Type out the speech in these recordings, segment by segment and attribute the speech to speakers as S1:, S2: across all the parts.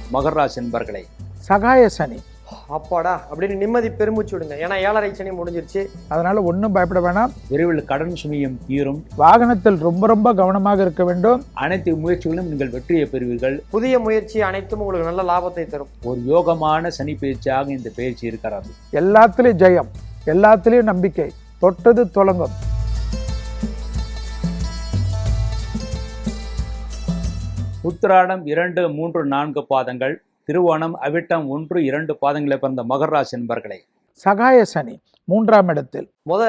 S1: மகர ராசி என்பர்களே,
S2: சகாய சனி.
S3: அப்பாடா அப்படின்னு நிம்மதி பெருமூச்சு விடுங்க. ஏன்னா 7.5 சனி முடிஞ்சிருச்சு.
S2: அதனால ஒன்றும் பயப்பட வேணாம்.
S1: விரைவில் கடன் சுமையும் தீரும்.
S2: வாகனத்தில் ரொம்ப கவனமாக இருக்க வேண்டும்.
S1: அனைத்து முயற்சிகளும் நீங்கள் வெற்றியை பெறுவீர்கள்.
S3: புதிய முயற்சி அனைத்தும் உங்களுக்கு நல்ல லாபத்தை தரும்.
S1: ஒரு யோகமான சனி பயிற்சியாக இந்த பயிற்சி இருக்கிறது.
S2: எல்லாத்திலையும் ஜெயம், எல்லாத்திலையும் நம்பிக்கை, தொட்டது தொடங்கும்.
S1: உத்திராடம் 2, 3, 4 பாதங்கள், திருவோணம், அவிட்டம் 1, 2 பாதங்களை பிறந்த மகர ராசி என்பர்களே,
S2: சகாய சனி 3ஆம் இடத்தில்.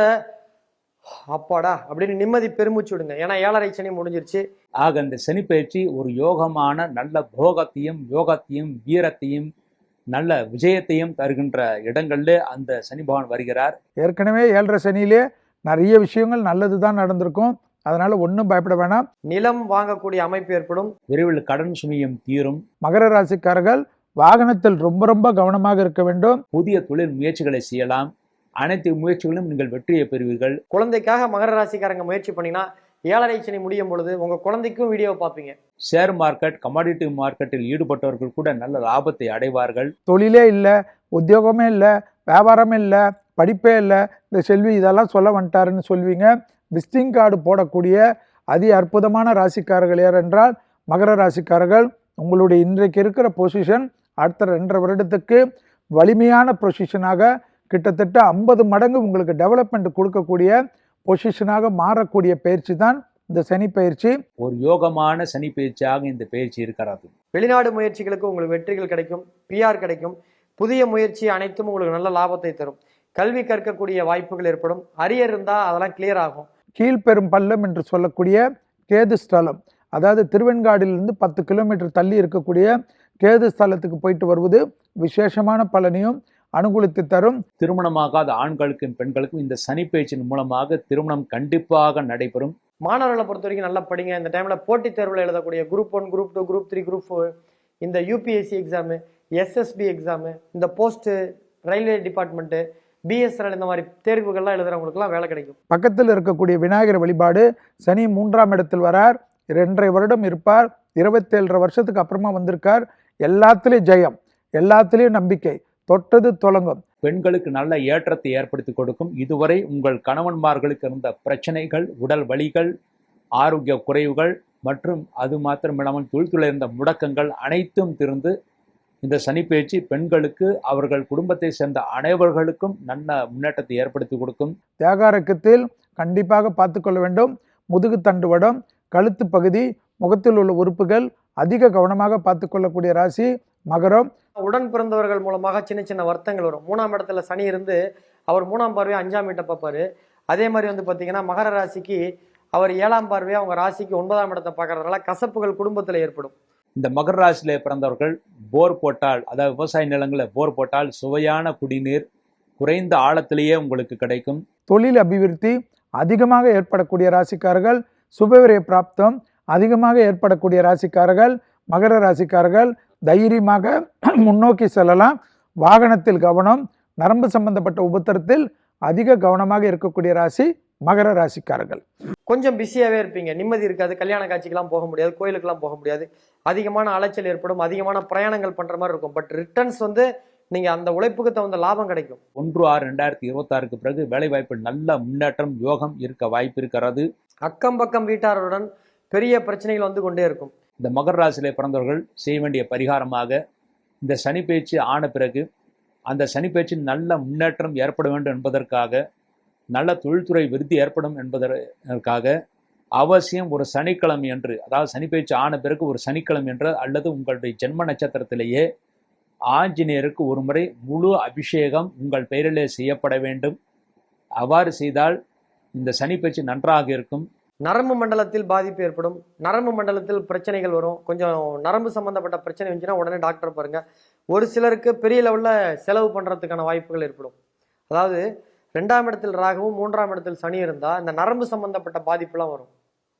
S3: அப்பாடா அப்படின்னு நிம்மதி பெருமூச்சு விடுங்க. ஏன்னா 7.5 சனி முடிஞ்சிருச்சு.
S1: ஆக இந்த சனி பயிற்சி ஒரு யோகமான நல்ல போகத்தையும் யோகத்தையும் வீரத்தையும் நல்ல விஜயத்தையும் தருகின்ற இடங்கள்ல அந்த சனி பகவான் வருகிறார்.
S2: ஏற்கனவே 7.5 சனியிலே நிறைய விஷயங்கள் நல்லது தான் நடந்திருக்கும். அதனால ஒன்றும் பயப்பட வேணாம்.
S3: நிலம் வாங்கக்கூடிய அமைப்பு ஏற்படும்.
S1: விரைவில் கடன் சுமையும் தீரும்.
S2: மகர ராசிக்காரர்கள் வாகனத்தில் ரொம்ப கவனமாக இருக்க வேண்டும்.
S1: புதிய தொழில் முயற்சிகளை செய்யலாம். அனைத்து முயற்சிகளும் நீங்கள் வெற்றியை பெறுவீர்கள்.
S3: குழந்தைக்காக மகர ராசிக்காரங்க முயற்சி பண்ணினா 7.5 சனி முடியும் பொழுது உங்க குழந்தைக்கும் வீடியோ பார்ப்பீங்க.
S1: ஷேர் மார்க்கெட், கமாடிட்டி மார்க்கெட்டில் ஈடுபட்டவர்கள் கூட நல்ல லாபத்தை அடைவார்கள்.
S2: தொழிலே இல்லை, உத்தியோகமே இல்லை, வியாபாரமே இல்லை, படிப்பே இல்லை, இந்த செல்வி இதெல்லாம் சொல்ல வந்துட்டாருன்னு சொல்வீங்க. விசிட்டிங் கார்டு போடக்கூடிய அதி அற்புதமான ராசிக்காரர்கள் யார் என்றால் மகர ராசிக்காரர்கள். உங்களுடைய இன்றைக்கு இருக்கிற பொசிஷன் அடுத்த 2.5 வருடத்துக்கு வலிமையான பொசிஷனாக கிட்டத்தட்ட 50 மடங்கு உங்களுக்கு டெவலப்மெண்ட் கொடுக்கக்கூடிய பொசிஷனாக மாறக்கூடிய பயிற்சி தான் இந்த சனி பயிற்சி.
S1: ஒரு யோகமான சனி பயிற்சியாக இந்த பயிற்சி இருக்கிறது.
S3: வெளிநாடு முயற்சிகளுக்கு உங்களுக்கு வெற்றிகள் கிடைக்கும், பிஆர் கிடைக்கும். புதிய முயற்சி அனைத்தும் உங்களுக்கு நல்ல லாபத்தை தரும். கல்வி கற்கக்கூடிய வாய்ப்புகள் ஏற்படும். அரியர் இருந்தால் அதெல்லாம் கிளியர் ஆகும்.
S2: கீழ்பெரும் பள்ளம் என்று சொல்லக்கூடிய கேது ஸ்தலம், அதாவது திருவெண்காடிலிருந்து 10 கிலோமீட்டர் தள்ளி இருக்கக்கூடிய கேது ஸ்தலத்துக்கு போயிட்டு வருவது விசேஷமான பலனையும் அனுகூலித்து தரும்.
S1: திருமணமாகாத ஆண்களுக்கும் பெண்களுக்கும் இந்த சனி பயிற்சியின் மூலமாக திருமணம் கண்டிப்பாக நடைபெறும்.
S3: மாணவர்களை பொறுத்த வரைக்கும் நல்லா படிங்க. இந்த டைம்ல போட்டித் தேர்வில் எழுதக்கூடிய குரூப் 1, குரூப் 2, குரூப் 3, குரூப் 4, இந்த யூபிஎஸ்சி எக்ஸாமு, எஸ்எஸ்பி எக்ஸாமு, இந்த போஸ்ட் ரயில்வே டிபார்ட்மெண்ட்டு, பிஎஸ்என்எல் இந்த மாதிரி தேர்வுகள்லாம் எழுதுறவங்களுக்குலாம் வேலை கிடைக்கும்.
S2: பக்கத்தில் இருக்கக்கூடிய விநாயகர் வழிபாடு. சனி 3ஆம் இடத்தில் வரார். 2.5 வருடம் இருப்பார். 27.5 வருஷத்துக்கு அப்புறமா வந்திருக்கார். எல்லாத்துலேயும் ஜெயம், எல்லாத்துலேயும் நம்பிக்கை, தொட்டது தொடங்கும்.
S1: பெண்களுக்கு நல்ல ஏற்றத்தை ஏற்படுத்தி கொடுக்கும். இதுவரை உங்கள் கணவன்மார்களுக்கு இருந்த பிரச்சனைகள், உடல் வலிகள், ஆரோக்கிய குறைவுகள் மற்றும் அது மாத்திரமில்லாமல் தொழில்துறை இருந்த முடக்கங்கள் அனைத்தும் திருந்து இந்த சனி பயிற்சி பெண்களுக்கு அவர்கள் குடும்பத்தை சேர்ந்த அனைவர்களுக்கும் நல்ல முன்னேற்றத்தை ஏற்படுத்தி கொடுக்கும்.
S2: தேகாரக்கத்தில் கண்டிப்பாக பார்த்துக்கொள்ள வேண்டும். முதுகு தண்டுவடம், கழுத்து பகுதி, முகத்தில் உள்ள உறுப்புகள் அதிக கவனமாக பார்த்துக்கொள்ளக்கூடிய ராசி மகரம்.
S3: உடன் பிறந்தவர்கள் மூலமாக சின்ன சின்ன வருத்தங்கள் வரும். 3ஆம் இடத்துல சனி இருந்து அவர் 3ஆம் பார்வையை 5ஆம் வீட்டை பார்ப்பாரு. அதே மாதிரி வந்து பார்த்தீங்கன்னா மகர ராசிக்கு அவர் 7ஆம் பார்வையை அவங்க ராசிக்கு 9ஆம் இடத்தை பார்க்கறதுனால கசப்புகள் குடும்பத்தில் ஏற்படும்.
S1: இந்த மகர ராசியிலே பிறந்தவர்கள் போர் போட்டால், அதாவது விவசாய நிலங்களில் போர் போட்டால் சுவையான குடிநீர் குறைந்த ஆழத்திலேயே உங்களுக்கு கிடைக்கும்.
S2: தொழில் அபிவிருத்தி அதிகமாக ஏற்படக்கூடிய ராசிக்காரர்கள். சுபவிரய பிராப்தம் அதிகமாக ஏற்படக்கூடிய ராசிக்காரர்கள் மகர ராசிக்காரர்கள். தைரியமாக முன்னோக்கி செல்லலாம். வாகனத்தில் கவனம், நரம்பு சம்பந்தப்பட்ட உபத்திரத்தில் அதிக கவனமாக இருக்கக்கூடிய ராசி மகர ராசிக்காரர்கள்.
S3: கொஞ்சம் பிஸியாகவே இருப்பீங்க, நிம்மதி இருக்காது. கல்யாண காட்சிக்கெல்லாம் போக முடியாது, கோயிலுக்கெல்லாம் போக முடியாது. அதிகமான அலைச்சல் ஏற்படும், அதிகமான பிரயாணங்கள் பண்ணுற மாதிரி இருக்கும். பட் ரிட்டர்ன்ஸ் வந்து நீங்கள் அந்த உழைப்புக்கு தகுந்த லாபம் கிடைக்கும்.
S1: 1/6/2026க்கு பிறகு வேலைவாய்ப்பு நல்ல முன்னேற்றம் யோகம் இருக்க வாய்ப்பு இருக்கிறது.
S3: அக்கம் பக்கம் வீட்டாருடன் பெரிய பிரச்சனைகள் வந்து கொண்டே இருக்கும்.
S1: இந்த மகர ராசியிலே பிறந்தவர்கள் செய்ய வேண்டிய பரிகாரமாக இந்த சனி பயிற்சி ஆன பிறகு அந்த சனி பயிற்சி நல்ல முன்னேற்றம் ஏற்பட வேண்டும் என்பதற்காக, நல்ல தொழில்துறை விருத்தி ஏற்படும் என்பதற்காக அவசியம் ஒரு சனிக்கிழமை என்று, அதாவது சனி பயிற்சி ஆன பிறகு ஒரு சனிக்கிழமை என்று அல்லது உங்களுடைய ஜென்ம நட்சத்திரத்திலேயே ஆஞ்சநேயருக்கு ஒரு முறை முழு அபிஷேகம் உங்கள் பெயரிலே செய்யப்பட வேண்டும். அவ்வாறு செய்தால் இந்த சனி பயிற்சி நன்றாக இருக்கும்.
S3: நரம்பு மண்டலத்தில் பாதிப்பு ஏற்படும், நரம்பு மண்டலத்தில் பிரச்சனைகள் வரும். கொஞ்சம் நரம்பு சம்பந்தப்பட்ட பிரச்சனை வந்துச்சுன்னா உடனே டாக்டர் பாருங்க. ஒரு சிலருக்கு பெரிய லெவலில் செலவு பண்ணுறதுக்கான வாய்ப்புகள் ஏற்படும். அதாவது 2ஆம் இடத்தில் ராகுவும் 3ஆம் இடத்தில் சனி இருந்தால் இந்த நரம்பு சம்பந்தப்பட்ட பாதிப்புலாம் வரும்.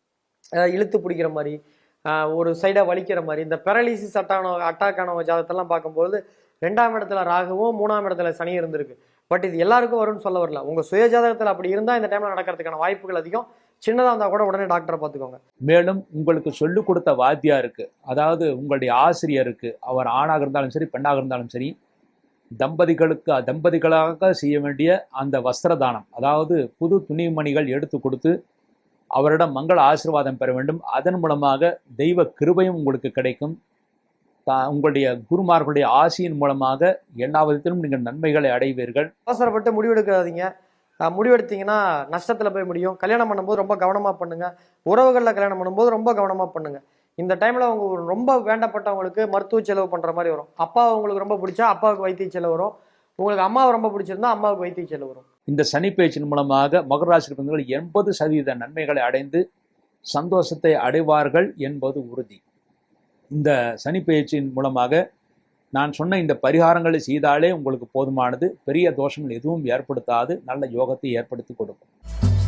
S3: இழுத்து பிடிக்கிற மாதிரி, ஒரு சைடாக வலிக்கிற மாதிரி, இந்த பெரலிசிஸ் அட்டாக்கான ஜாதகத்தெல்லாம் பார்க்கும்போது 2ஆம் இடத்துல ராகுவும் 3ஆம் இடத்துல சனி இருந்திருக்கு. பட் இது எல்லாருக்கும் வரும்னு சொல்ல வரல. உங்கள் சுய ஜாதகத்தில் அப்படி இருந்தால் இந்த டைமில் நடக்கிறதுக்கான வாய்ப்புகள் அதிகம். சின்னதாக இருந்தால் கூட உடனே டாக்டரை பார்த்துக்கோங்க.
S1: மேலும் உங்களுக்கு சொல்லிக் கொடுத்த வாத்தியாருக்கு, அதாவது உங்களுடைய ஆசிரியருக்கு, அவர் ஆணாக இருந்தாலும் சரி பெண்ணாக இருந்தாலும் சரி, தம்பதிகளாக செய்ய வேண்டிய அந்த வஸ்திரதானம், அதாவது புது துணிமணிகள் எடுத்து கொடுத்து அவரிடம் மங்கள ஆசீர்வாதம் பெற வேண்டும். அதன் மூலமாக தெய்வ கிருபையும் உங்களுக்கு கிடைக்கும். உங்களுடைய குருமார்களுடைய ஆசியின் மூலமாக எல்லா விதத்திலும் நீங்கள் நன்மைகளை அடைவீர்கள்.
S3: அவசரப்பட்டு முடிவெடுக்காதீங்க. முடிவெடுத்தீங்கன்னா நஷ்டத்தில் போய் முடியும். கல்யாணம் பண்ணும்போது ரொம்ப கவனமாக பண்ணுங்க. உறவுகளில் கல்யாணம் பண்ணும்போது ரொம்ப கவனமாக பண்ணுங்க. இந்த டைமில் அவங்க ரொம்ப வேண்டப்பட்டவங்களுக்கு மருத்துவ செலவு பண்ணுற மாதிரி வரும். அப்பா உங்களுக்கு ரொம்ப பிடிச்சா அப்பாவுக்கு வைத்திய செலவு வரும். உங்களுக்கு அம்மாவை ரொம்ப பிடிச்சிருந்தா அம்மாவுக்கு வைத்திய செலவு வரும். இந்த
S1: சனி பெயர்ச்சியின் மூலமாக மகர ராசி பிறந்தவர்கள் 80% நன்மைகளை அடைந்து சந்தோஷத்தை அடைவார்கள் என்பது உறுதி. இந்த சனி பெயர்ச்சியின் மூலமாக நான் சொன்ன இந்த பரிகாரங்களை செய்தாலே உங்களுக்கு போதுமானது. பெரிய தோஷங்கள் எதுவும் ஏற்படுத்தாது, நல்ல யோகத்தை ஏற்படுத்தி கொடுக்கும்.